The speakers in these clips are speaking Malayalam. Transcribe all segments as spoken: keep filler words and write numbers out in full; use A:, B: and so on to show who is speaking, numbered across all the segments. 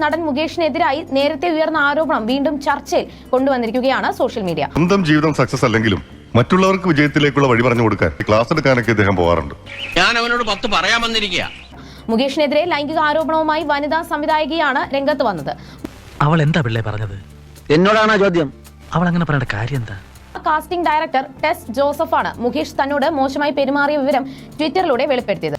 A: നടൻ മുകേഷിനെതിരായി നേരത്തെ ഉയർന്ന ആരോപണം വീണ്ടും ചർച്ചയിൽ കൊണ്ടുവന്നിരിക്കുകയാണ് സോഷ്യൽ മീഡിയ.
B: സ്വന്തം ജീവിതം സക്സസ് അല്ലെങ്കിലും മറ്റുള്ളവർക്ക് വിജയത്തിലേക്കുള്ള വഴി പറഞ്ഞു കൊടുക്കാൻ ക്ലാസ് എടുക്കാനൊക്കെ ഇദ്ദേഹം പോകാറുണ്ട്.
C: ഞാൻ അവനോട് പത്ത് പറയാൻ വന്നിരിക്കുക.
A: മുകേഷിനെതിരെ ലൈംഗിക ആരോപണവുമായി വനിതാ സംവിധായകയാണ് രംഗത്ത് വന്നത്.
D: അവൾ എന്താ പിള്ളേ പറഞ്ഞത്?
E: എന്നോടാണോ ചോദ്യം?
D: അവൾ അങ്ങനെ പറയേണ്ട കാര്യം എന്താ?
A: കാസ്റ്റിംഗ് ഡയറക്ടർ ടെസ് ജോസഫാണ് മുകേഷ് തന്നോട് മോശമായി പെരുമാറിയ വിവരം ട്വിറ്ററിലൂടെ വെളിപ്പെടുത്തിയത്.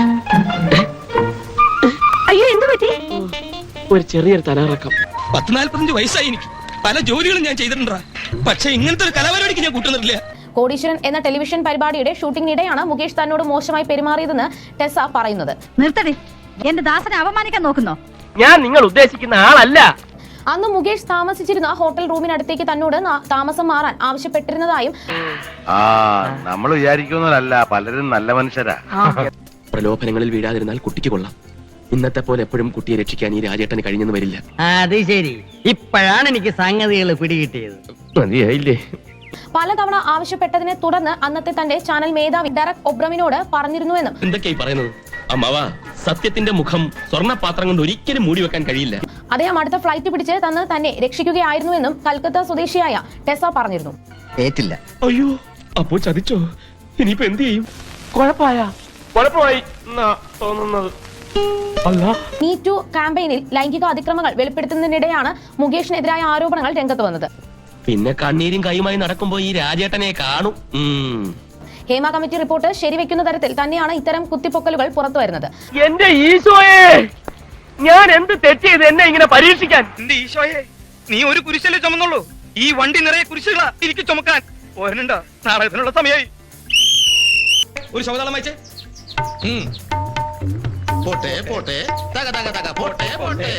F: അയ്യോ എന്ത് പറ്റി?
E: ഒരു ചെറിയൊരു തലകറക്കം.
G: പത്ത് നാല്പത്തഞ്ച് വയസ്സായി എനിക്ക്. പല ജോലികളും ഞാൻ ചെയ്തിട്ടുണ്ടാ, പക്ഷെ ഇങ്ങനത്തെ ഒരു കലാപരിപാടിക്ക് ഞാൻ കൂട്ടുന്നില്ല.
A: കോടീശ്വരൻ എന്ന ടെലിവിഷൻ പരിപാടിയുടെ ഷൂട്ടിംഗിനിടെയാണ് മുകേഷ് തന്നോട് മോശമായി പെരുമാറിയതെന്ന് ടെസ പറയുന്നത്.
F: നിർത്തടി, എന്റെ ദാസനെ അപമാനിക്കാൻ നോക്കുന്നോ?
E: ഞാൻ നിങ്ങൾ ഉദ്ദേശിക്കുന്ന ആളല്ല.
A: അന്ന് മുകേഷ് താമസിച്ചിരുന്ന ഹോട്ടൽ റൂമിനടുത്തേക്ക് തന്നോട് താമസം മാറാൻ ആവശ്യപ്പെട്ടിരുന്നതായും
H: നമ്മൾ വിചാരിക്കുന്നതല്ല, പലരും നല്ല മനുഷ്യരാ.
E: പ്രലോഭനങ്ങളിൽ വീഴാതിരുന്നാൽ കുട്ടിക്ക് കൊള്ളാം. ഇന്നത്തെ പോലെ എപ്പോഴും കുട്ടിയെ രക്ഷിക്കാൻ ഈ രാജേട്ടന് കഴിഞ്ഞെന്ന് വരില്ല.
I: അത് ശരി, ഇപ്പോഴാണ് എനിക്ക് സംഗതികൾ പിടികിട്ടിയത്.
E: മതിയായില്ലേ?
A: പലതവണ ആവശ്യപ്പെട്ടതിനെ തുടർന്ന് അന്നത്തെ തന്റെ ചാനൽ മേധാവി ഡെറക് ഒബ്രമിനോട് പറഞ്ഞിരുന്നുവെന്നും.
G: എന്തൊക്കെയായി പറയുന്നത് അമ്മാവ? സത്യത്തിന്റെ മുഖം സ്വർണ്ണപാത്രം കൊണ്ട് ഒരിക്കലും മൂടി വെക്കാൻ കഴിയില്ല.
A: അദ്ദേഹം അടുത്ത ഫ്ലൈറ്റ് പിടിച്ച് തന്ന് തന്നെ രക്ഷിക്കുകയായിരുന്നുവെന്നും കൽക്കത്ത സ്വദേശിയായ ടെസ പറഞ്ഞിരുന്നു.
E: ഏറ്റില്ല.
G: അയ്യോ, അപ്പോ ചതിച്ചോ? ഇനിയിപ്പോ എന്ത് ചെയ്യും?
E: കുഴപ്പമായ കുഴപ്പമായി തോന്നുന്നത്.
A: മീ ടു ക്യാമ്പയിനിൽ ലൈംഗിക അതിക്രമങ്ങൾ വെളിപ്പെടുത്തുന്നതിനിടെയാണ് മുകേഷിനെതിരായ ആരോപണങ്ങൾ രംഗത്ത് വന്നത്.
G: പിന്നെ കണ്ണീരും കൈയുമായി നടക്കുമ്പോ ഈ രാജേട്ടനെ കാണും.
A: ഹേമ കമ്മിറ്റി റിപ്പോർട്ട് ശരിവെക്കുന്ന തരത്തിൽ തന്നെയാണ് ഇത്തരം കുത്തിപ്പൊക്കലുകൾ പുറത്തു വരുന്നത്.
E: എന്റെ ഈശോയെ, ഞാൻ എന്ത് തെറ്റ് ചെയ്ത് എന്നെ ഇങ്ങനെ പരീക്ഷിക്കാൻ?
G: എന്റെ ഈശോയെ, നീ ഒരു കുരിശല്ലേ ചുമന്നുള്ളൂ, ഈ വണ്ടി നിറയെ കുരിശുകളാ എനിക്ക് ചുമക്കാൻ. പോരനുണ്ടോ? നാടകത്തിനുള്ള സമയമായി. ഒരു ശബ്ദം വായിച്ചേ. പോട്ടെ പോട്ടെ തക തക തക പോട്ടെ പോട്ടെ